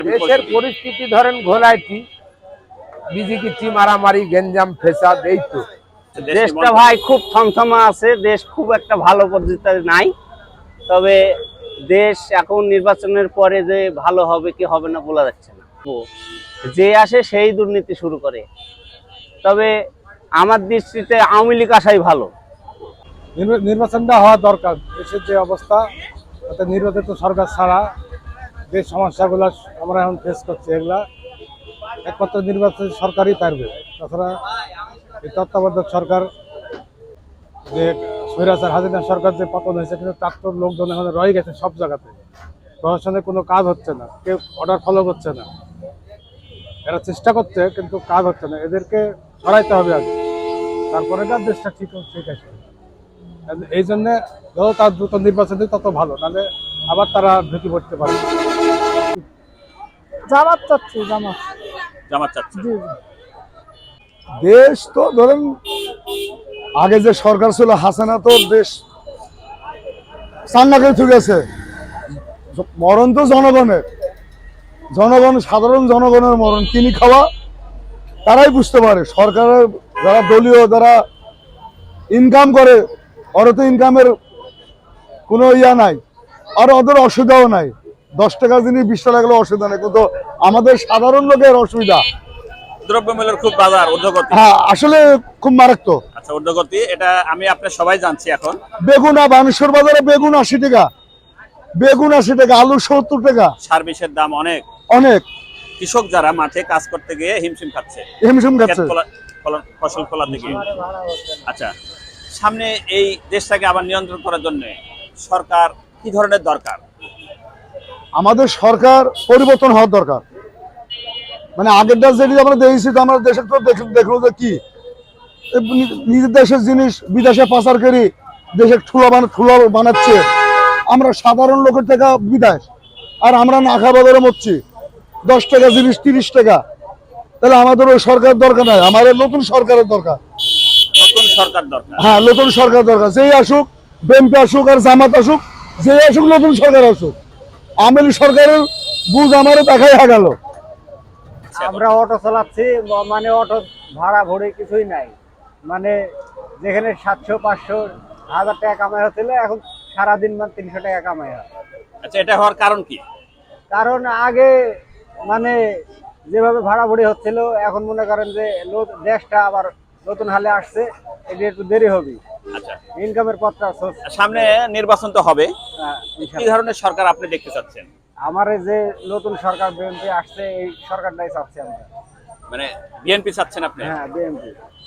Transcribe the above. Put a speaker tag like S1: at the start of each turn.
S1: দেশের পরিস্থিতি ধরেন ঘোলাইটি বিজিকিচি মারামারি গেঞ্জাম ফেসাদ এই তো
S2: দেশটা ভাই খুব থমথমা আছে, দেশ খুব একটা ভালো পদ্ধতিতে নাই। তবে দেশ এখন নির্বাচনের পরে যে ভালো হবে কি হবে না বলা যাচ্ছে না। যে আসে সেই দুর্নীতি শুরু করে। তবে আমার দৃষ্টিতে আওয়ামী লীগ আসাই ভালো।
S3: নির্বাচনটা হওয়া দরকার। দেশের যে অবস্থা, তাতে নির্বাচিত সরকার ছাড়া যে সমস্যাগুলো আমরা এখন ফেস করছি, এগুলা একমাত্র নির্বাচিত সরকারই পারবে। তাছাড়া এই তত্ত্বাবধায়ক সরকার যে স্বৈরাচার হাসিনা সরকার যে পতন হয়েছে, কিন্তু তার তো লোকজন এখন রয়ে গেছে সব জায়গাতে। প্রশাসনে কোনো কাজ হচ্ছে না, কেউ অর্ডার ফলো করছে না। এরা চেষ্টা করছে কিন্তু কাজ হচ্ছে না। এদেরকে সরাইতে হবে আগে, তারপরে দেশটা ঠিক আছে। এই জন্য যত তার দ্রুত নির্বাচন তত ভালো, নাহলে আবার তারা ঢুকে পড়তে পারে।
S4: জামাত চাচ্ছি, জামাত
S2: চাচ্ছে।
S5: দেশ তো ধরেন আগে যে সরকার ছিল হাসিনা, তো দেশ চান্নাকে গেছে। মরণ তো জনগণের, সাধারণ জনগণের মরণ কিনি খাওয়া তারাই বুঝতে পারে। সরকারের যারা দলীয়, যারা ইনকাম করে, ওরা তো ইনকামের কোনো ইয়া নাই, আর ওদের অসুবিধাও নাই। 10 টাকা জিনিস 20 টাকা লাগলে অসুবিধা নেই, কিন্তু আমাদের সাধারণ লোকের অসুবিধা।
S2: দ্রব্যমূল্যের খুব বাজার ঊর্ধ্বগতি।
S5: হ্যাঁ, আসলে খুব মারাত্মক।
S2: আচ্ছা, ঊর্ধ্বগতি এটা আমি আপনার সবাই জানছি। এখন
S5: বেগুন বানেশ্বর বাজারে বেগুন 80 টাকা, আলু 70 টাকা।
S2: সার্ভিসের দাম অনেক
S5: অনেক।
S2: কৃষক যারা মাঠে কাজ করতে গিয়ে হিমশিম খাচ্ছে ফসল ফলাতে গিয়ে। আচ্ছা, সামনে এই দেশটাকে আবার নিয়ন্ত্রণ করার জন্য সরকার কি ধরনের দরকার?
S5: আমাদের সরকার পরিবর্তন হওয়ার দরকার। মানে আগের দেশ যেটি আমরা দেখেছি, আমরা দেশের তো দেখলো যে কি নিজের দেশের জিনিস বিদেশে পাচার করি, দেশে ঠুলা বানাচ্ছে। আমরা সাধারণ লোকের টাকা বিদেশ, আর আমরা না খাওয়া করে মরছি। 10 টাকা জিনিস 30 টাকা। তাহলে আমাদের ওই সরকার দরকার নাই, আমাদের নতুন সরকারের দরকার। হ্যাঁ, নতুন সরকার দরকার। যেই আসুক, বিএনপি আসুক আর জামাত আসুক, যেই আসুক, নতুন সরকার আসুক। আওয়ামী লীগ সরকারের বুঝ আমারও দেখাই গেল।
S4: আমরা অটো চালাচ্ছি, মানে অটো ভাড়া ভরে কিছুই নাই। মানে যেখানে 700, 500, 1000 টাকা কামাই হচ্ছিল, এখন সারাদিন 300 টাকা কামাই হয়।
S2: আচ্ছা, এটা হওয়ার কারণ কি?
S4: কারণ আগে মানে যেভাবে ভাড়া ভরি হচ্ছিল, এখন মনে করেন যে দেশটা আবার নতুন হালে আসছে, এটা একটু দেরি হবে।
S2: আচ্ছা,
S4: ইনকামের পথটা
S2: সামনে নির্বাচন তো হবে, কি ধরনের সরকার আপনি দেখতে চাচ্ছেন?
S4: আমার যে নতুন সরকার বিএনপি আসছে, এই সরকারটাই চাচ্ছি আমরা।
S2: মানে বিএনপি চাচ্ছেন আপনি?
S4: হ্যাঁ, বিএনপি।